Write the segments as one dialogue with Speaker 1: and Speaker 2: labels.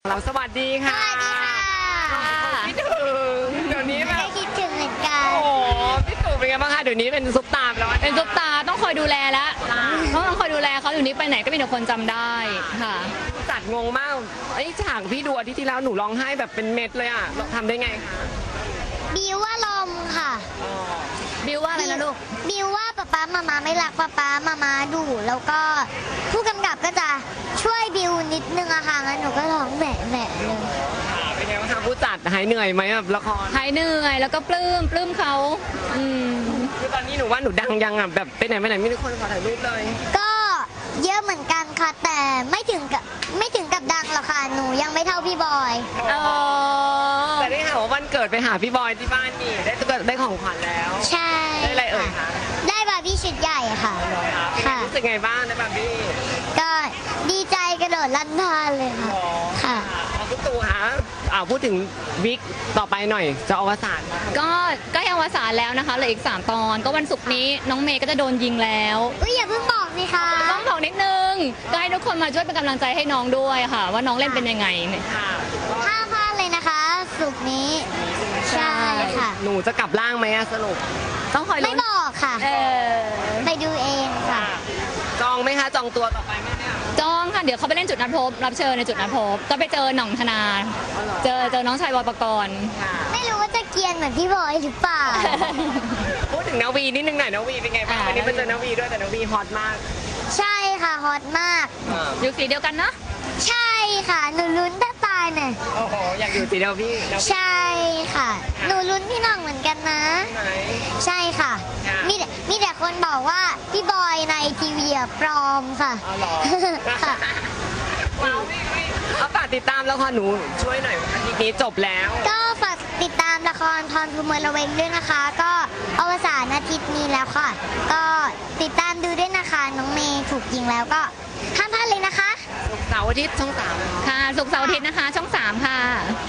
Speaker 1: เราสวัสดีค่ะพี่ตู่เดี๋ยวนี้แบบ
Speaker 2: คิดถึงเหมือนกัน
Speaker 1: โอ้พี่ตู่เป็นไงบ้างคะเดี๋ยวนี้เป็นซุปตาร์แล้ว
Speaker 3: เป็นซุปตาต้องคอยดูแลแล้วต้องคอยดูแลเขาอยู่นี้ไปไหนก็มีแต่คนจำได้ค่ะ
Speaker 1: จัดงงมากไอ้ฉากพี่ดูอาทิตย์ที่แล้วหนูร้องไห้แบบเป็นเม็ดเลยอ่ะทำได้ไงคะ
Speaker 2: บิวว่าลมค่ะ
Speaker 3: บิวว่าอะไรนะลูก
Speaker 2: บิวว่าป๊ามาไม่รักป๊ามาดุแล้วก็ผู้กำกับก็จะช่วยบิวนิดนึงอะค่ะงั้นหนูก็ร้องแหม่เลย
Speaker 1: เป็นไงบ้างคะผู้จัดหายเหนื่อยไหมแบบละคร
Speaker 3: หายเหนื่อยแล้วก็ปลื้มเขา
Speaker 1: คือตอนนี้หนูว่าหนูดังยังอ่ะแบบไปไหนไม่มีคนขอถ่ายรูปเลย
Speaker 2: ก็เยอะเหมือนกันค่ะแต่ไม่ถึงกับดังหรอกค่ะหนูยังไม่เท่าพี่บอย
Speaker 1: แต่ได้ข่าวว่าวันเกิดไปหาพี่บอยที่บ้านนี่ได้ของขวัญแล้ว
Speaker 2: ใช่
Speaker 1: ได้อะไรเอ่ยคะ
Speaker 2: ได้บาร์บี้ชุดใหญ่ค่ะ
Speaker 1: ค่ะรู้สึกไงบ้างได้บาร์บี้
Speaker 2: ก็ดีใจกระโดดลั่นทานเลยค่ะค่ะ
Speaker 1: คุณตู่คะพูดถึงวิกต่อไปหน่อยจะอวสาน
Speaker 3: ก็ยังอวสานแล้วนะคะเหลืออีก3 ตอนก็วันศุกร์นี้น้องเมย์ก็จะโดนยิงแล้ว
Speaker 2: อย่าเพิ่งบอกสิคะ
Speaker 3: ต้องบอกนิดนึงก็ให้ทุกคนมาช่วยเป็นกำลังใจให้น้องด้วยค่ะว่าน้องเล่นเป็นยังไง
Speaker 2: ห้ามพลาดเลยนะคะศุกร์นี้ใช่ค่ะ
Speaker 1: หนูจะกลับร่างไหมสรุป
Speaker 3: ต้องคอย
Speaker 2: ไม่บอกค่ะไปดูเองค่ะ
Speaker 1: จองไหมคะจองตัวต่อไปไหมเนี่ย
Speaker 3: จองค่ะเดี๋ยวเขาไปเล่นจุดนัดพบรับเชิญในจุดนัดพบก็ไปเจอหน่องธนาเจอน้องชายบอยปกรณ์
Speaker 2: ไม่รู้ว่าจะเกียนเหมือนพี่บอยหรือเปล่า
Speaker 1: พูดถึงนาวีนิดนึงหน่อยนาวีเป็นไงบ้างวันนี้มาเจอนาวีด้วยแต่นาวีฮอตมาก
Speaker 2: ใช่ค่ะฮอตมาก
Speaker 3: อยู่สีเดียวกันเนาะ
Speaker 2: ใช่ค่ะหนูลุ้นถ้าตายเนี่ย
Speaker 1: โอ้โหอยากอยู่สีเดียวพี่
Speaker 2: ใช่ค่ะหนูลุ้นพี่น้องเหมือนกันนะใช่ค่ะมีแต่คนบอกว่าพี่บอยในทีวีปลอมค่ะ
Speaker 1: ค่ะเอาฝากติดตามแล้วค่ะหนูช่วยหน่อยอาทิตย์นี้จบแล้ว
Speaker 2: ก็ฝากติดตามละครพรภูมิระเวงด้วยนะคะก็อวสานอาทิตย์นี้แล้วค่ะก็ติดตามดูด้วยนะคะน้องเมย์ถูกยิงแล้วก็ห้ามพลาดเลยนะคะ
Speaker 1: ศุกร์เสาร์อาทิตย์ช่อง3
Speaker 3: ค่ะศุกร์เสาร์อาทิตย์นะคะช่อง3ค่ะ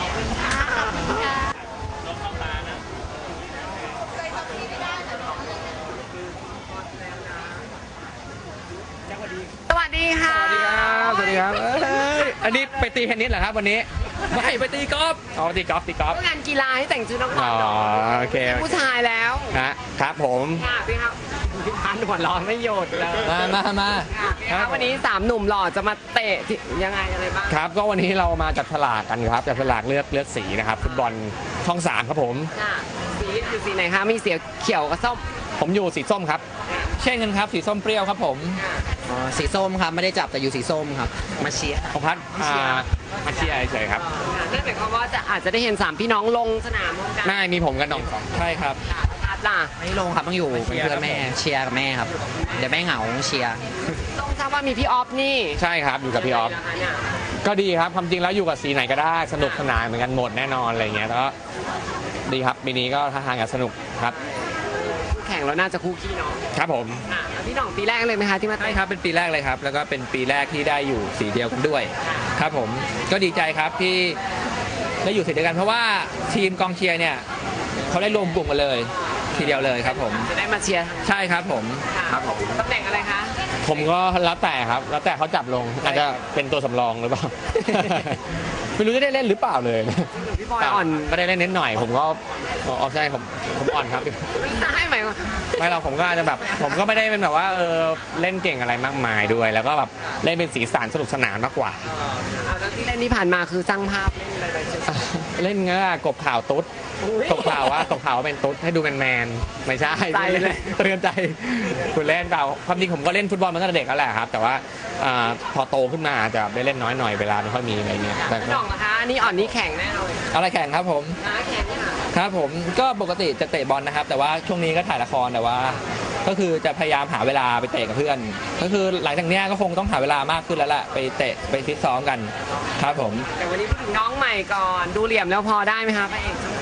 Speaker 1: สวัสดีค่ะ
Speaker 4: สวัสดีครับสวัสดีครับอันนี้ไปตีเทนนิสเหรอครับวันนี้ไม่ไปตีกอล์ฟตีกอล์ฟ
Speaker 1: งานกีฬาให้แต่งชุดนักบอล
Speaker 4: โอเค
Speaker 1: ผู้ชายแล้ว
Speaker 4: ครับผม
Speaker 1: พี่ครับพี่พันหัวร้อนไม่หยุดเลย
Speaker 4: มา
Speaker 1: วันนี้3 หนุ่มหล่อจะมาเตะยังไงอะไรบ้าง
Speaker 4: ครับก็วันนี้เรามาจับฉลากกันครับจับฉลากเลือกสีนะครับฟุตบอลช่อง3ครับผม
Speaker 1: สีคือสีไหนคะมีสีเขียวกับส้ม
Speaker 4: ผมอยู่สีส้มครับเช่นกันครับสีส้มเปรี้ยวครับผม
Speaker 5: สีส้มครับไม่ได้จับแต่อยู่สีส้มครับมาเชียร์
Speaker 4: ของพัดมาเชียร์เฉยครับ
Speaker 1: นั่นหมายความว่าอาจจะได้เห็น3 พี่น้องลงสนามกัน
Speaker 4: ไม่มีผมกับน้องใช่ครับ
Speaker 1: พัดล่ะ
Speaker 5: ไม่ลงครับต้องอยู่เป็นเพื่อนแม่เชียร์กับแม่ครับเดี๋ยวแม่เหงาเชียร์
Speaker 1: ต้องทราบว่ามีพี่ออฟนี่
Speaker 4: ใช่ครับอยู่กับพี่ออฟก็ดีครับความจริงแล้วอยู่กับสีไหนก็ได้สนุกสนานเหมือนกันหมดแน่นอนอะไรเงี้ยแล้วดีครับปีนี้ก็ท่าทางจะสนุกครับ
Speaker 1: แข่งแล้วน่าจะคู่ขี้เนาะ
Speaker 4: ครับผม
Speaker 1: พี่น้องปีแรกเลยไหมคะที่มา
Speaker 4: ใช่ครับเป็นปีแรกเลยครับแล้วก็เป็นปีแรกที่ได้อยู่สีเดียวกันด้วยครับผมก็ดีใจครับที่ได้อยู่สีเดียวกันเพราะว่าทีมกองเชียร์เนี่ยเขาได้รวมกลุ่มกันเลยทีเดียวเลยครับผม
Speaker 1: จะได้มาเชียร์
Speaker 4: ใช่ครับผม
Speaker 1: ตำแหน่งอะไรคะ
Speaker 4: ผมก็แล้วแต่ครับแล้วแต่เขาจับลงอาจจะเป็นตัวสำรองหรือเปล่าไม่รู้จะได้เล่นหรือเปล่าเลย
Speaker 1: พี่บอยอ่อน
Speaker 4: ก็ได้เล่นนิดหน่อยผมก็ใช่ผมอ่อนครับ
Speaker 1: ไม่ใช่ไหม
Speaker 4: ไม่เราผมก็อาจจะแบบผมก็ไม่ได้เป็นแบบว่าเล่นเก่งอะไรมากมายด้วยแล้วก็แบบเล่นเป็นสีสันสนุกสนานมากกว่า
Speaker 1: แล้วที่เล่นที่ผ่านมาคือสร้างภาพ
Speaker 4: เล่นเงี้ยกบข่าวตุ๊ดตกข่าวว่าเป็นตุ๊ดให้ดูแมนไม่ใช่เตือนใจคุณเล่นเปล่าความจริงผมก็เล่นฟุตบอลมาตั้งแต่เด็กแล้วแหละครับแต่ว่าพอโตขึ้นมาจะได้เล่นน้อยหน่อยเวลาไม่ค่อยมีอะไรเงี้ย
Speaker 1: แต่น้องนะคะนี่อ่อนนี่แข็งแน่เลย
Speaker 4: อะไรแข่งครับผม
Speaker 1: แข็ง
Speaker 4: ครับผมก็ปกติจะเตะบอลนะครับแต่ว่าช่วงนี้ก็ถ่ายละครแต่ว่าก็คือจะพยายามหาเวลาไปเตะกับเพื่อนก็คือหลังจากนี้ก็คงต้องหาเวลามากขึ้นแล้วแหละไปเตะไปฟิตซ้อมกันครับผม
Speaker 1: แต่วันนี้พูดถึงน้องใหม่ก่อนดูเหลี่ยมแล้วพอได้ไหมคะพระเอกช่อง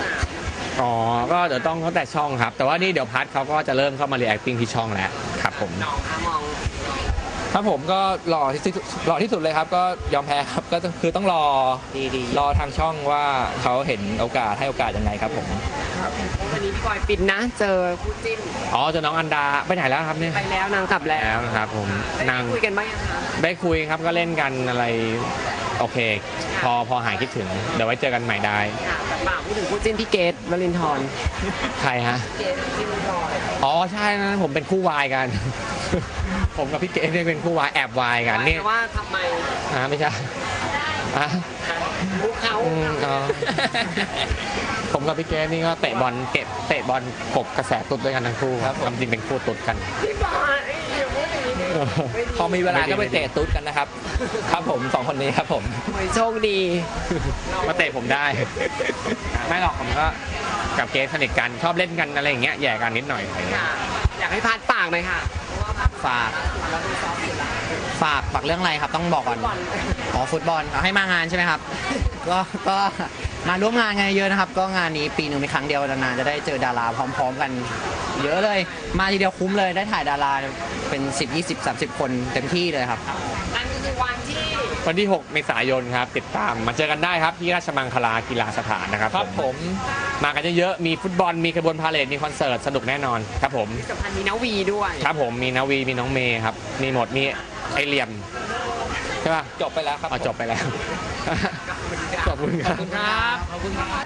Speaker 4: 3ก็เดี๋ยวต้องเขาแต่ช่องครับแต่ว่านี่เดี๋ยวพัดเขาก็จะเริ่มเข้ามาเรียกติ้งที่ช่องแล้วครับผม
Speaker 1: น้องคะมอง
Speaker 4: ครับผมก็หล่อที่สุดเลยครับก็ยอมแพ้ครับก็คือต้องรอทางช่องว่าเขาเห็นโอกาสให้โอกาสยังไงครับผม
Speaker 1: วันนี้พี่บอยปิดนะเจอคู่จิ้น
Speaker 4: เจอน้องอันดาไปไหนแล้วครับเนี่ย
Speaker 1: ไปแล้วนางกลับแล้ว
Speaker 4: นะครับผม
Speaker 1: นางคุยกันบ้างยังคะ
Speaker 4: ได้คุยครับก็เล่นกันอะไรโอเค พอหายคิดถึงเดี๋ยวไว้เจอกันใหม่ได้
Speaker 1: ค่ะแต่ฝากพูดถึงคู่จิ้นพี่เกตวลินทร์
Speaker 4: ใครฮะ
Speaker 1: เกตจิ้นรอย
Speaker 4: อ๋อใช่นะผมเป็นคู่วายกัน ผมกับพี่เก๋เนี่ยเป็นคู่วายแอบวายกันนี่
Speaker 1: แต่ว่าทำไม
Speaker 4: ไม่ใช่อ่ะ
Speaker 1: พวกเขา
Speaker 4: อ๋อ ผมกับพี่เก๋นี่ก็เตะบอลกบกระแสตุ๊ดด้วยกันทั้งคู่ครับความจริงเป็นคู่ตุ๊ดกัน
Speaker 1: พี่บอยอย่าพูดอย่างนี้ดิ
Speaker 5: พอมีเวลาก็ไปเตะตุ๊ดกันนะครับ ครับผมสองคนนี้ครับผม
Speaker 1: โอ้ยโชคดี
Speaker 4: มาเตะผมได้ ไม่หรอกผมก็กับเก๋สนิทกันชอบเล่นกันอะไรอย่างเงี้ยแย่กันนิดหน่อยอะไรเงี้ย
Speaker 1: ค่ะ อยากให้พัดปากหน่อยค่ะ
Speaker 5: ฝากเรื่องอะไรครับต้องบอกก่อน อ๋อฟุตบอลเอาให้มางานใช่ไหมครับ ก็มาร่วมงานกันเยอะนะครับ ก็งานนี้ปีหนึ่งมีครั้งเดียวนานๆจะได้เจอดาราพร้อมๆกัน เยอะเลย มาทีเดียวคุ้มเลยได้ถ่ายดาราเป็น10 20 30 คนเต็มที่เลยครับ
Speaker 1: นั่นก็คือวันที่
Speaker 4: วันที่ 6 เมษายนครับติดตามมาเจอกันได้ครับที่ราชมังคลากีฬาสถานนะครับ
Speaker 5: ครับผม
Speaker 4: มากันเยอะๆมีฟุตบอลมีขบวนพาเหรดมีคอนเสิร์ตสนุกแน่นอนครับผม
Speaker 1: สำคัญมีนาวีด้วย
Speaker 4: ครับผมมีนาวีมีน้องเมย์ครับมีหมดมีไอเหลี่ยมใช่ป่ะ
Speaker 5: จบไปแล้วครับ
Speaker 4: จบไปแล้ว ขอบคุณครับ
Speaker 5: ขอบคุณครับ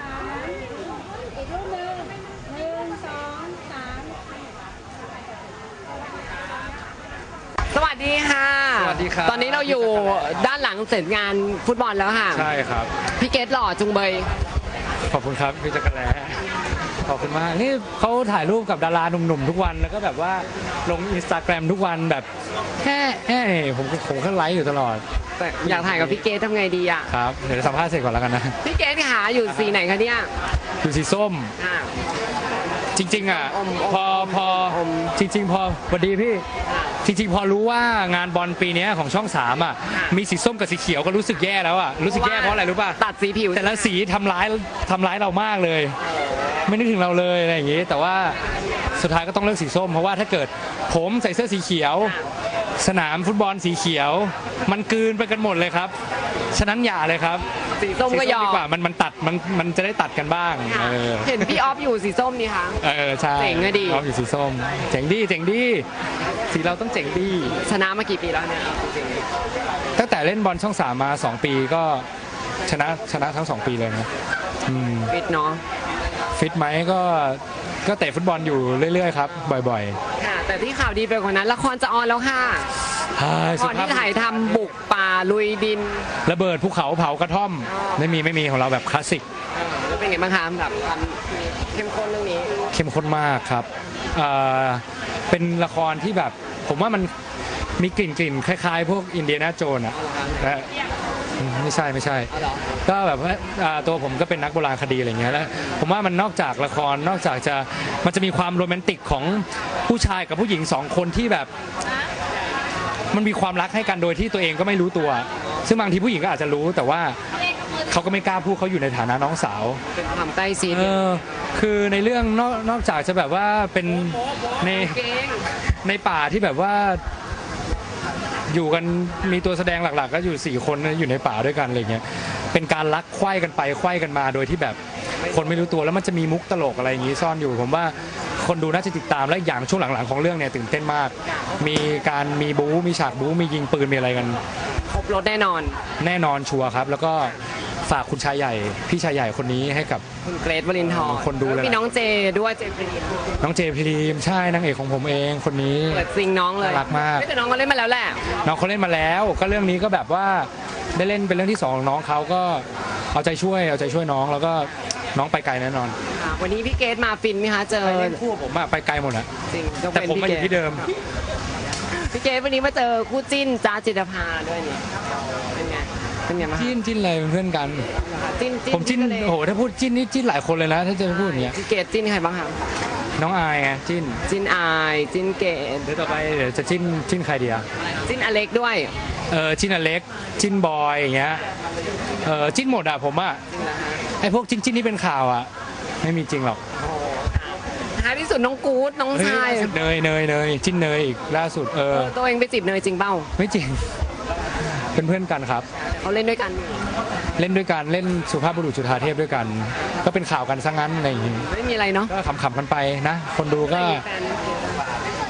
Speaker 1: สวัสดีค่ะ
Speaker 6: สวัสดีครับ
Speaker 1: ตอนนี้เราอยู่ด้านหลังเสร็จงานฟุตบอลแล้วค่ะ
Speaker 6: ใช่ครับ
Speaker 1: พี่เกตหล่อจุงเบย
Speaker 6: ขอบคุณครับพี่จักรแลขอบคุณมากนี่เขาถ่ายรูปกับดาราหนุ่มๆทุกวันแล้วก็แบบว่าลงอินสตาแกรมทุกวันแบบผมก็ไลค์อยู่ตลอด
Speaker 1: แต่อยากถ่ายกับพี่เกตทำไงดีอ่ะ
Speaker 6: ครับเดี๋ยวสัมภาษณ์เสร็จก่อนแล้วกันนะ
Speaker 1: พี่เกตขาอยู่สีไหนคะเนี่ย
Speaker 6: อยู่สีส้ม
Speaker 1: ค่ะ
Speaker 6: จริงๆอ่ะ
Speaker 1: อม
Speaker 6: พอจริงๆพอสวัสดีพี่จริงๆพอรู้ว่างานบอลปีนี้ของช่อง3อ่ะมีสีส้มกับสีเขียวก็รู้สึกแย่แล้วอ่ะรู้สึกแย่เพราะอะไรรู้ป่ะ
Speaker 1: ตัดสีผิว
Speaker 6: แต่ละสีทำร้ายเรามากเลย ไม่นึกถึงเราเลยอะไรอย่างงี้ แต่ว่าสุดท้ายก็ต้องเลือกสีส้มเพราะว่าถ้าเกิดผมใส่เสื้อสีเขียว สนามฟุตบอลสีเขียว มันกลืนไปกันหมดเลยครับฉะนั้นอย่าเลยครับ
Speaker 1: สีส้มก็ยอ
Speaker 6: ดี
Speaker 1: ม
Speaker 6: กว่ามันตัดมันจะได้ตัดกันบ้าง
Speaker 1: ค่ะ
Speaker 6: เออ
Speaker 1: เห็นพี่ออฟอยู่สีส้มนี่คะ
Speaker 6: ใช่
Speaker 1: เจ๋งอะดิ
Speaker 6: ชอบอยู่สีส้มเจ๋งดีสีเราต้องเจ๋งดี
Speaker 1: ชนะมากี่ปีแล้วเนี่ยจริง
Speaker 6: ตั้งแต่เล่นบอลช่อง3มา2 ปีก็ชนะทั้ง2 ปีเลยนะอืม
Speaker 1: ๆฟิตเนาะ
Speaker 6: ฟิตไหมก็เตะฟุตบอลอยู่เรื่อยๆครับบ่อย
Speaker 1: ค่ะ แต่ที่ข่าวดีไปกว่านั้นละครจะออนแล้วค่ะ
Speaker 6: ๆฮ่า
Speaker 1: ก่อนที่ถ่ายทำบุกป่าลุยดิน
Speaker 6: ระเบิดภูเขาเผากระท่อมไม่มีของเราแบบคลาสสิก
Speaker 1: แล้วเป็นไงบ้างคะแบบความเข้มข้นเรื่องนี้
Speaker 6: เข้มข้นมากครับเป็นละครที่แบบผมว่ามันมีกลิ่นคล้ายๆ พวกอินเดียนาโจนส์อะและไม่ใช่
Speaker 1: เอาเหรอ
Speaker 6: ก็แบบว่าตัวผมก็เป็นนักโบราณคดีอะไรเงี้ยแล้วผมว่ามันนอกจากละครนอกจากมันจะมีความโรแมนติกของผู้ชายกับผู้หญิง2 คนที่แบบมันมีความรักให้กันโดยที่ตัวเองก็ไม่รู้ตัว ซึ่งบางทีผู้หญิงก็อาจจะรู้แต่ว่าเขาก็ไม่กล้าพูดเขาอยู่ในฐานะน้องสาว
Speaker 1: เป็นความใกล้ชิด
Speaker 6: คือในเรื่องนอกจากจะแบบว่าเป็นใน
Speaker 1: เก่ง
Speaker 6: ในป่าที่แบบว่าอยู่กันมีตัวแสดงหลักๆ ก็อยู่4 คนอยู่ในป่าด้วยกันอะไรเงี้ยเป็นการลักไขว้กันไปไขว้กันมาโดยที่แบบคนไม่รู้ตัวแล้วมันจะมีมุกตลกอะไรอย่างงี้ซ่อนอยู่ผมว่าคนดูน่าจะติดตามและอย่างช่วงหลังๆของเรื่องเนี่ยตื่นเต้นมากมีบู๊มีฉากบู๊มียิงปืนมีอะไรกัน
Speaker 1: ครบรถแน่นอน
Speaker 6: แน่นอนชัวร์ครับแล้วก็ฝากคุณชายใหญ่พี่ชายใหญ่คนนี้ให้กับ
Speaker 1: คุณเกรทวรินทร์
Speaker 6: คนดูเลย
Speaker 1: มีน้องเจด้วยเจพรีม
Speaker 6: น้องเจพรีมใช่นางเอกของผมเองคนนี้
Speaker 1: เปิดซิงน้องเลย
Speaker 6: น่ารักมาก
Speaker 1: ไม่แต่น้องก็เล่นมาแล้วแหละ
Speaker 6: น้องเขาเล่นมาแล้วก็เรื่องนี้ก็แบบว่าได้เล่นเป็นเรื่องที่2ของน้องเขาก็เอาใจช่วยน้องแล้วก็น้องไปไกลแน่นอน
Speaker 1: ค่ะวันนี้พี่เกรทมาฟินไหมคะเจอ
Speaker 6: เล่นคู่ผมอะไปไกลหมดอะ
Speaker 1: จริงยก
Speaker 6: แต่
Speaker 1: เป็น
Speaker 6: ผมมา
Speaker 1: พี่
Speaker 6: อ
Speaker 1: เกรท
Speaker 6: ยู่ที่เดิม
Speaker 1: พี่เกรทวันนี้มาเจอคู่จิ้นจ้าจิตรภาด้วยนี่เป็นไงบ้างคะ
Speaker 6: จิ้นอะไรเป็นเพื่อนกัน
Speaker 1: จิ้น
Speaker 6: ผมจิ้น
Speaker 1: เลย
Speaker 6: โอ้โหถ้าพูดจิ้นนี่จิ้นหลายคนเลยนะถ้าจะพูดอย่างเงี้ย
Speaker 1: พี่เกรทจิ้นใครบ้างคะ
Speaker 6: น้องอายไงจิ้น
Speaker 1: จิ้นอายจิ้นเกรท
Speaker 6: เดี๋ยวต่อไปเดี๋ยวจะจิ้นใครดีอะ
Speaker 1: จิ้นอเล็กด้วย
Speaker 6: จิ้นอเล็กจิ้นบอยอย่างเงี้ยจิ้นหมดอะผมอะ
Speaker 1: จริงนะคะ
Speaker 6: ไอพวกจิ้นที่เป็นข่าวอะไม่มีจริงหรอก
Speaker 1: ท้ายที่สุดน้องกู๊ดน้องชาย
Speaker 6: ล่าสุดเนยจิ้นเนยอีกล่าสุด
Speaker 1: ตัวเองไปจีบเนยจริงเปล่า
Speaker 6: ไม่จริงเป็นเพื่อนกันครับ
Speaker 1: เขาเล่นด้วยกัน
Speaker 6: เล่นด้วยกันเล่นสุภาพบุรุษจุฑาเทพด้วยกัน ก็เป็นข่าวกันซะงั้นอะไรอย่างงี้
Speaker 1: ไม่มีอะไรเนาะ
Speaker 6: ก็ขำๆกันไปนะ คนดูก็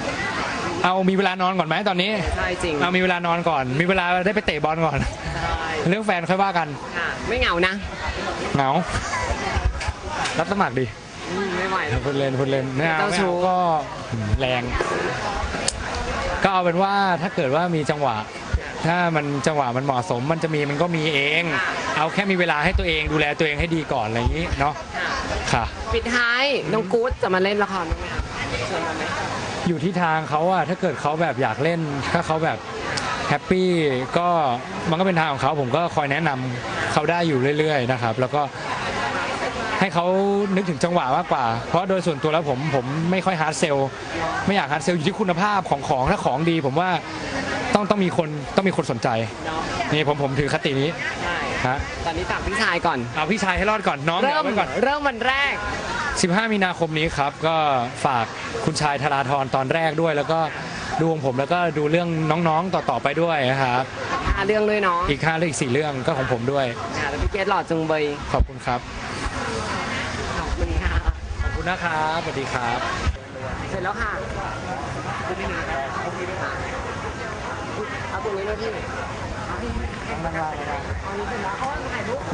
Speaker 6: เอามีเวลานอนก่อนไหมตอนนี้
Speaker 1: ใช่จริง
Speaker 6: เอามีเวลานอนก่อน มีเวลาได้ไปเตะบอลก่อน
Speaker 1: ใช่
Speaker 6: เรื่องแฟนค่อยว่ากัน
Speaker 1: ค่ะไม่เหงานะ
Speaker 6: เหงารับสมัครดิ
Speaker 1: ไม่ไหวแล้ว
Speaker 6: พูดเล่นไม่เอา
Speaker 1: เจ้าชู้
Speaker 6: ก็แรง ก็เอาเป็นว่าถ้าเกิดว่ามีจังหวะ ถ้ามันจังหวะมันเหมาะสมมันจะมีมันก็มีเอง เอาแค่มีเวลาให้ตัวเองดูแลตัวเองให้ดีก่อนอะไรอย่างนี้เนาะค่ะ
Speaker 1: ปิดท้ายน้องกู๊ดจะมาเล่นละครบ้างไหมคะชวนมาไหม
Speaker 6: อยู่ที่ทางเขาอะถ้าเกิดเขาแบบอยากเล่นถ้าเขาแบบแฮปปี้ก็มันก็เป็นทางของเขาผมก็คอยแนะนำเขาได้อยู่เรื่อยๆนะครับแล้วก็ให้เขานึกถึงจังหวะมากกว่าเพราะโดยส่วนตัวแล้วผมไม่ค่อยฮาร์ดเซลไม่อยากฮาร์ดเซลอยู่ที่คุณภาพของถ้าของดีผมว่าต้องมีคนสนใจนี่ผมถือคตินี้
Speaker 1: ใช่
Speaker 6: ฮะ
Speaker 1: ตอนนี้ฝากพี่ชายก่อน
Speaker 6: เอาพี่ชายให้รอดก่อนน้อง
Speaker 1: เริ่
Speaker 6: เอา
Speaker 1: ม
Speaker 6: ไว้ก่อน
Speaker 1: เริ่มวันแรก
Speaker 6: 15 มีนาคมนี้ครับก็ฝากคุณชายธราธรตอนแรกด้วย แล้วก็ดูของผมแล้วก็ดูเรื่องน้องๆต่อๆไปด้วยนะครับ
Speaker 1: 5 เรื่องด้วยเนาะ
Speaker 6: อีก5เรื่องอีก4เรื่องก็ของผมด้วย
Speaker 1: ค่ะแล้วพี่เกดหล่อจุงเบย
Speaker 6: ขอบคุณครับ
Speaker 1: ขอบคุณค่ะ
Speaker 6: ขอบคุณนะครับสวัสดีครับ
Speaker 1: เสร็จแล้วค่ะคุณพี่หนึ่งครับโอเคไหมคะเอาตรงนี้ด้วยพี่เอานี่เสร็จแล้วเอาถ่ายรูป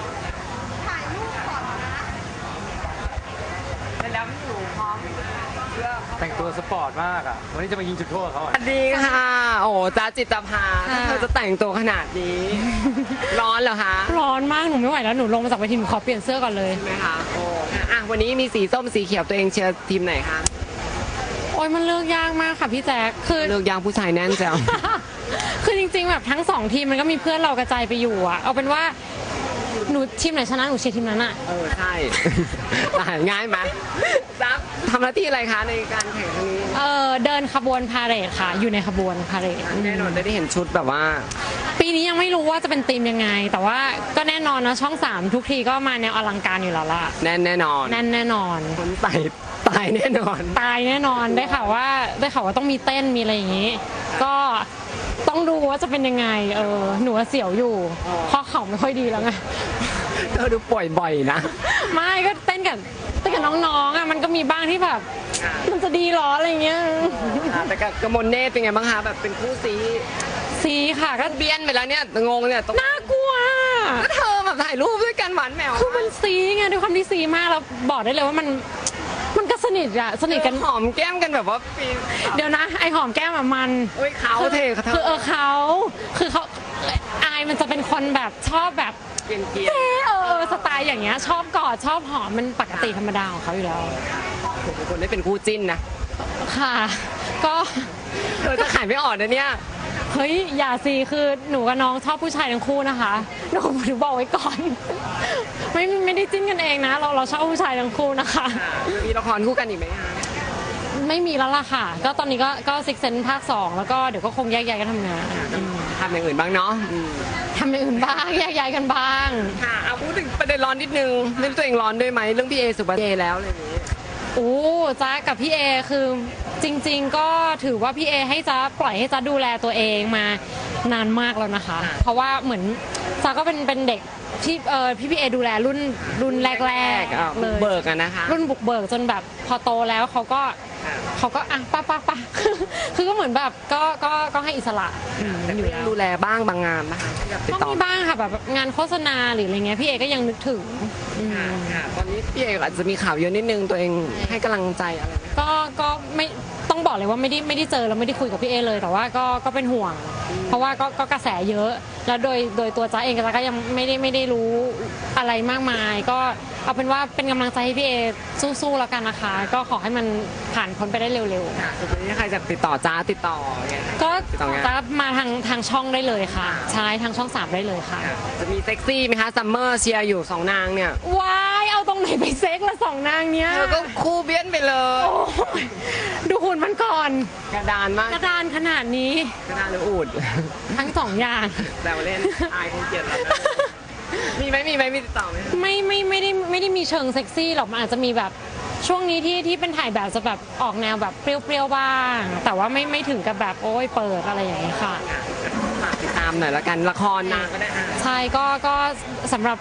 Speaker 1: เสร็จแล้วพี่หนูพร้อมเพื่อ
Speaker 6: แต่งตัวสปอร์ตมากอ่ะวันนี้จะมายิงจุดโทษเขา
Speaker 1: ส
Speaker 6: อ่ะ
Speaker 1: วัสดีค่ะ โอ้จ้าจิตภาเธอจะแต่งตัวขนาดนี้ ร้อนเหรอคะ
Speaker 7: ร้อนมาก หนูไม่ไหวแล้ว หนูลงมาจากเวทีหนูขอเปลี่ยนเสื้อก่อนเลย
Speaker 1: ใช่ไหมคะโอ้อ่ะวันนี้มีสีส้มสีเขียวตัวเองเชียร์ทีมไหนคะ
Speaker 7: โอ้ยมันเลือกยากมากค่ะพี่แจ๊คคือ
Speaker 1: เลือกยางผู้ชายแน่นแจ๋ว
Speaker 7: คือจริงๆแบบทั้งสองทีมมันก็มีเพื่อนเรากระจายไปอยู่อะเอาเป็นว่าหนูทีมไหนชนะหนูเชียร์ทีมนั้นอะ
Speaker 1: ใช่ ได้ง่ายไหมซับทำหน้าที่อะไรคะในการแข่งครั้งนี้
Speaker 7: เดินขบวนพาเหรดค่ะ อยู่ในขบวนพาเหรด
Speaker 1: แน่นอนได้เห็นชุดแบบว่า
Speaker 7: ปีนี้ยังไม่รู้ว่าจะเป็นทีมยังไง แต่ว่าก็แน่นอนนะช่อง 3 ทุกทีก็มาแนวอลังการอยู่แล้วล่ะ
Speaker 1: แน่นแน่นอน
Speaker 7: แน่นแน่นอน
Speaker 1: คนใส่ตายแน่นอน
Speaker 7: ตายแน่นอนได้ข่าวว่าต้องมีเต้นมีอะไรอย่างนี้ ก็ต้องดูว่าจะเป็นยังไงหนูว่าเสียวอยู่เพราะเขาไม่ค่อยดีแล้วไง
Speaker 1: เธอดูป่วยบ่อยนะ
Speaker 7: ไม่ก็เต้นกับน้องๆอ่ะมันก็มีบ้างที่แบบมันจะดีเหรออะไรเงี้ย
Speaker 1: แต่กับกมลเนตรเป็นไงบ้างคะแบบเป็นคู่ซี
Speaker 7: ซีค่ะก็
Speaker 1: เบี้ยนไปแล้วเนี่ยงงเนี่ยต้อง
Speaker 7: น่ากลัว
Speaker 1: ก็เธอแบบถ่ายรูปด้วยกันหวานแหมว
Speaker 7: คือมันซีไงด้วยความที่ซีมากแล้วบอกได้เลยว่ามันก็สนิทกัน
Speaker 1: หอมแก้มกันแบบว่าปี
Speaker 7: เดี๋ยวนะไอหอมแก้มอะมัน
Speaker 1: เอ้ยเขาเทเขา
Speaker 7: คือเขาอายมันจะเป็นคนแบบชอบแบบ
Speaker 1: เกลียน
Speaker 7: เจ๊สไตล์อย่างเงี้ยชอบกอดชอบหอมมันปกติธรรมดาของเขาอยู่แล้ว
Speaker 1: ๆคนได้เป็นคู่จิ้นนะ
Speaker 7: ค่ะ ก็
Speaker 1: เธอจะขายไม่ออกนะเนี่ย
Speaker 7: เฮ้ยอย่าสิคือหนูกับน้องชอบผู้ชายทั้งคู่นะคะหนูบอกไว้ก่อน ไม่ได้จิ้นกันเองนะ เราชอบผู้ชายทั้งคู่นะคะ
Speaker 1: มีละครคู่กันอีกไหมคะ
Speaker 7: ไม่มีแล้วล่ะค่ะ ก็ตอนนี้ก็ซิกเซนภาค 2 แล้วก็เดี๋ยวก็คงแยกย้ายกันทำงาน
Speaker 1: ทำอย่างอื่นบ้างเนาะ
Speaker 7: ทำอย่างอื่นบ้างแยกย้ายกันบ้าง
Speaker 1: ค่ะเอาพูดถึงประเด็นร้อนนิดนึงไม่รู้ตัวเองร้อนด้วยไหมเรื่องพี่เอสุปชัยแล้วอะไรอย่างนี้
Speaker 7: โอ้จ้ากับพี่เอคือจริง ๆ ก็ถือว่าพี่เอให้จ้าปล่อยให้จ้าดูแลตัวเองมานานมากแล้วนะคะ เพราะว่าเหมือนจ้าก็เป็นเด็กที่พี่เอดูแลรุ่นแรกๆเลย
Speaker 1: เบิกอะนะคะ
Speaker 7: รุ่นบุกเบิกจนแบบพอโตแล้วเขาก็อ่ะป้า คือก็เหมือนแบบก็ให้อิสระอยู่แล้ว
Speaker 1: ดูแลบ้างบางงานนะคะติด
Speaker 7: ก็
Speaker 1: ต่อ
Speaker 7: มีบ้างค่ะแบบงานโฆษณาหรืออะไรเงี้ยพี่เอก็ยังนึกถึง
Speaker 1: ตอนนี้พี่เออาจจะมีข่าวเยอะนิดนึงตัวเองให้กำลังใจอะไรไหม
Speaker 7: ก็ไม่ต้องบอกเลยว่าไม่ได้เจอแล้วไม่ได้คุยกับพี่เอเลยแต่ว่าก็เป็นห่วง เพราะว่าก็กระแสเยอะ แล้วโดยตัวจ้าเองจ้าก็ยังไม่ได้รู้อะไรมากมาย ก็เอาเป็นว่าเป็นกำลังใจให้พี่เอสู้ๆแล้วกันนะคะ ก็ขอให้มันผ่านพ้นไปได้เร็ว
Speaker 1: สุดท้ายใครจะติดต่อจ้าติดต่อไง
Speaker 7: ๆก็
Speaker 1: ติดต่องาน
Speaker 7: จะมาทางช่องได้เลยค่ะใช่ทางช่อง 3 ได้เลยค่ะ
Speaker 1: จะมีเซ็กซี่ไหมคะซัมเมอร์เชียร์อยู่2นางเนี่ย
Speaker 7: ว้ายเอาตรงไหนไปเซ็กละ2 นางเนี้ย
Speaker 1: เธอก็คู่เบี้ยนไปเลย
Speaker 7: โอ้ยดูหุ่นมันก่อน
Speaker 1: กระดานมาก
Speaker 7: กระดานขนาดนี้
Speaker 1: กระดานหรืออูด
Speaker 7: ทั้งสองอย่าง
Speaker 1: แต่ว่าเล่นอายคงเกลียดเรามีไหมมีติดต่อไหม
Speaker 7: ไม่ได้มีเชิงเซ็กซี่หรอกมันอาจจะมีแบบช่วงนี้ที่เป็นถ่ายแบบจะแบบออกแนวแบบเปรี้ยวๆบ้าง แต่ว่าไม่ถึงกับแบบโอ้ยเปิดอะไรอย่างนี้ยค่ะ
Speaker 1: ฝากติดตามหน่อยละกันละครนางก็ได้
Speaker 7: ใช่ก็สำหรับ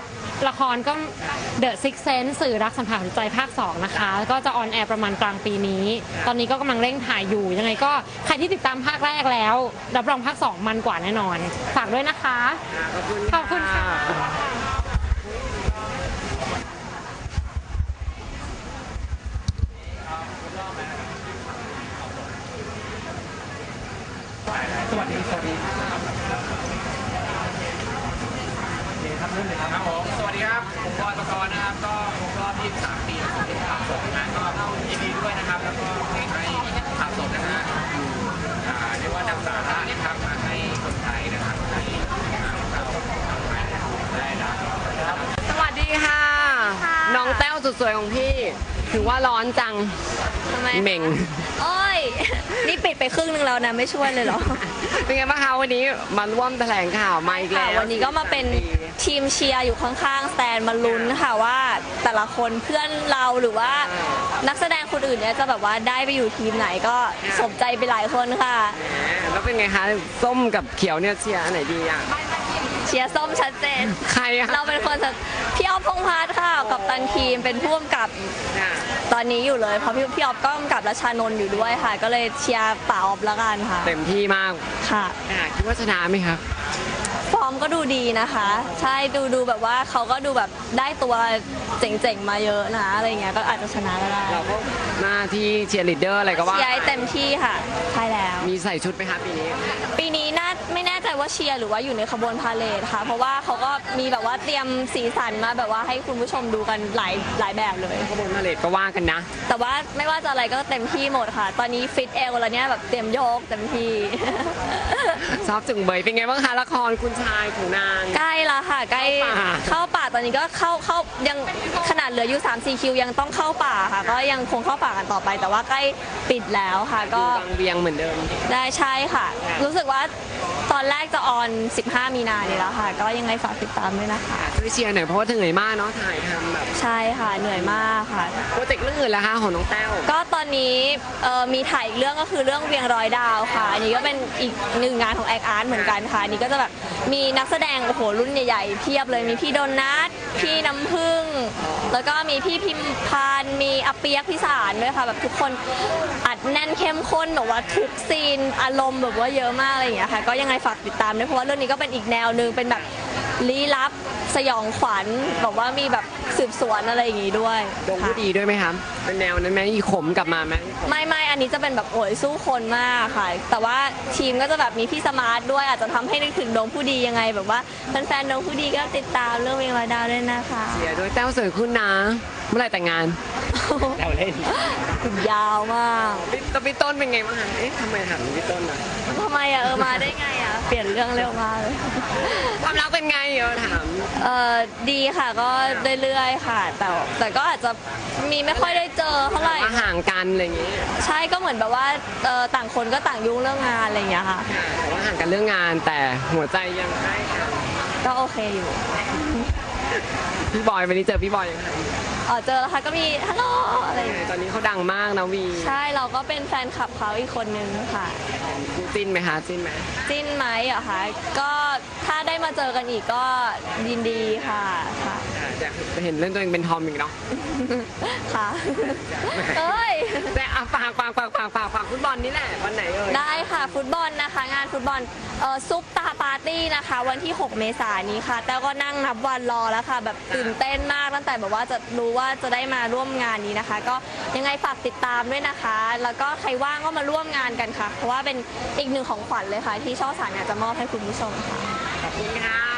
Speaker 7: ละครก็ The Six Sense สื่อรักสัมผัสหัวใจภาค 2 นะคะ ก็จะออนแอร์ประมาณกลางปีนี้ ตอนนี้ก็กำลังเร่งถ่ายอยู่ ยังไงก็ใครที่ติดตามภาคแรกแล้ว รับรองภาค 2 มันกว่าแน่นอน ฝากด้วยนะคะ ขอบคุณค่ะ
Speaker 4: สวัสดีครับผมสวัสดีครับผมบอยปกรณ์นะครับก็ครบรอบ23 ปีของที่ข่าวสดนะก็ยินดีด้วยนะครับแล้วก็ให้ข่าวสดนะฮะอยู่เรียกว่านำสาระนะครับมาให้คนไทยนะครับให้เราได้รับ
Speaker 1: สวัสดีค่ะ น้องแต้วสุดสวยของพี่ ถือว่าร้อนจัง
Speaker 8: ทำไม
Speaker 1: เหม่ง
Speaker 8: โอ้ย นี่ปิดไปครึ่งนึงแล้วนะ ไม่ช่วยเลยเหรอ
Speaker 1: เป็นไงบ้างคะวันนี้มาร่วมแถลงข่าวมาอีก
Speaker 8: ค่ะ
Speaker 1: แล้ว
Speaker 8: วันนี้ก็มาเป็นทีมเชียร์อยู่ข้างๆสแตนมาลุ้นค่ะว่าแต่ละคนเพื่อนเราหรือว่านักแสดงคนอื่นเนี่ยจะแบบว่าได้ไปอยู่ทีมไหนก็สมใจไปหลายคนค่ะ
Speaker 1: แล้วเป็นไงคะส้มกับเขียวเนี่ยเชียร์อันไหนดีอ่ะ
Speaker 8: เชียร์ส้มชัดเจน
Speaker 1: ใครอะ
Speaker 8: เราเป็นคนพี่ออฟพงษ์พัฒน์ค่ะกับตันทีมเป็นผู้กำกับ
Speaker 1: ค่ะ
Speaker 8: ตอนนี้อยู่เลยเพราะพี่ออฟก็กำกับรัชานนท์อยู่ด้วยค่ะ ก็เลยเชียร์ป่าออฟแล้วกันค่ะ
Speaker 1: เต็มที่มาก
Speaker 8: ค่ะ
Speaker 1: คิดว่าชนะไหมครับ
Speaker 8: ฟอร์มก็ดูดีนะคะ ใช่ดูแบบว่าเขาก็ดูแบบได้ตัวเจ๋งๆมาเยอะนะอะไรเงี้ยก็อาจจะชนะก็ได้
Speaker 1: เราก็หน้าที่เชียร์ลีดเดอร์อะไรก็ว่า
Speaker 8: เชียร์ให้เต็มที่ค่ะใช่แล้ว
Speaker 1: มีใส่ชุดไหมคะปีนี้
Speaker 8: ปีนี้ไม่แน่ใจว่าเชียร์หรือว่าอยู่ในขบวนพาเลทค่ะ เพราะว่าเขาก็มีแบบว่าเตรียมสีสันมาแบบว่าให้คุณผู้ชมดูกันหลายแบบเลย
Speaker 1: ขบวนพาเลทก็ว่ากันนะ
Speaker 8: แต่ว่าไม่ว่าจะอะไรก็เต็มที่หมดค่ะ ตอนนี้ฟิตเอวแล้วเนี่ยแบบเตรียมโยกเต็มที่
Speaker 1: ชอบจึงเบยเป็นไงบ้างคะละครคุณชายถูนาง
Speaker 8: ใกล้ละค่ะใกล้
Speaker 1: เข้าป่า
Speaker 8: เข้าป่าตอนนี้ก็เข้ายังขนาดเหลืออยู่ 3-4 คิวยังต้องเข้าป่าค่ะ ก็ยังคงเข้าป่ากันต่อไป แต่ว่าใกล้ปิดแล้วค่ะ
Speaker 1: ก็
Speaker 8: ก็
Speaker 1: บางเวียงเหมือนเดิม
Speaker 8: ได้ใช่ค่ะ รู้สึกว่าตอนแรกจะออน 15 มีนานี่แล้วค่ะ ก็ยังไงฝากติดตามด้วยนะคะ
Speaker 1: ช่วยเชียร์หน่อยเพราะว่าเหนื่อยมากเนาะถ่ายทำแบบ
Speaker 8: ใช่ค่ะเหนื่อยมากค่ะ
Speaker 1: โปรเจกต์เรื่องอื่นแล้วคะของน้องแต้ว
Speaker 8: ก็ตอนนี้มีถ่ายอีกเรื่องก็คือเรื่องเวียงร้อยดาวค่ะอันนี้ก็เป็นอีกหนึ่งงานของแอคอาร์ตเหมือนกันค่ะอันนี้ก็จะแบบมีนักแสดงโอ้โหรุ่นใหญ่ๆเพียบเลยมีพี่โดนัทพี่น้ำผึ้งแล้วก็มีพี่พิมพานมีอาเปียกพี่สารด้วยค่ะแบบทุกคนอัดแน่นเข้มข้นแบบว่าทุกซีนอารมณ์แบบว่าเยอะมากอะไรอย่างเงี้ยค่ะก็ยังไงฝากติดตามด้วยเพราะว่าเรื่องนี้ก็เป็นอีกแนวหนึ่งเป็นแบบลี้ลับสยองขวัญแบบว่ามีแบบสืบสวนอะไรอย่างงี้ด้วย
Speaker 1: ดง
Speaker 8: ค่ะ
Speaker 1: ผู้ดีด้วยไหมครับเป็นแนวนั้นไหมอีขมกลับมาไหม
Speaker 8: ไม่อันนี้จะเป็นแบบโอยสู้คนมากค่ะ แต่ว่าทีมก็จะแบบมีพี่สมาร์ทด้วยอาจจะทำให้นึกถึงดวงผู้ดียังไง แบบว่าแฟนๆดวงผู้ดีก็ติดตามเรื่องเวงรอยดาวด้วยนะคะ
Speaker 1: เชียร์ด้วยแต้วสวยขึ้นนะเมื่อไหร่แต่งงาน
Speaker 4: แต้วเล่น
Speaker 8: ยาวมาก
Speaker 1: พี่ต้นเป็นไงบ้างคะเอ๊ะทำไมถามพี่ต้นอ่ะ
Speaker 8: ทำไมอะมาได้ไงอะเปลี่ยนเรื่องเร็วมากเลย
Speaker 1: ความรักเป็นไงถาม
Speaker 8: ดีค่ะก็เรื่อยๆค่ะ แต่ก็อาจจะมีไม่ค่อยได้เจอเท่าไหร่
Speaker 1: มาห่างกันอะไรอย่างงี้
Speaker 8: ใช่ก็เหมือนแบบว่าต่างคนก็ต่างยุ่งเรื่องงานอะไรอย่างเงี้ยค่ะ
Speaker 1: แต่ว่าห่างกันเรื่องงานแต่หัวใจยังใกล้กัน
Speaker 8: ก็โอเคอยู่
Speaker 1: พี่บอยวันนี้เจอพี่บอยยังไง
Speaker 8: เจอแล้วค่ะก็มีฮัลโหลอะไรอย่างเงี้ย
Speaker 1: ตอนนี้เขาดังมากนะวี
Speaker 8: ใช่เราก็เป็นแฟนคลับเขาอีกคนนึงค่ะ
Speaker 1: จิ้นไหมคะจิ้นไหม
Speaker 8: จิ้นไหมเหรอคะก็ถ้าได้มาเจอกันอีกก็ยินดีค่ะค่ะ
Speaker 1: จะเห็นเล่นตัวเองเป็นทอมอีกเนาะ
Speaker 8: ค่ะเอ้ย
Speaker 1: แต่ฝากฟุตบอลนี่แหละวันไหนเอ่ย
Speaker 8: ได้ค่ะฟุตบอลนะคะ งานฟุตบอลซุปตาปาร์ตี้นะคะ วันที่ 6 เมษายนนี้ค่ะแต่ก็นั่งนับวันรอแล้วค่ะ แบบตื่นเต้นมากตั้งแต่แบบว่าจะรู้ว่าจะได้มาร่วมงานนี้นะคะ ก็ยังไงฝากติดตามด้วยนะคะ แล้วก็ใครว่างก็มาร่วมงานกันค่ะ เพราะว่าเป็นอีกหนึ่งของขวัญเลยค่ะ ที่ช่อง3อยากจะมอบให้คุณผู้ชมค่ะ
Speaker 1: ขอบคุณค่ะ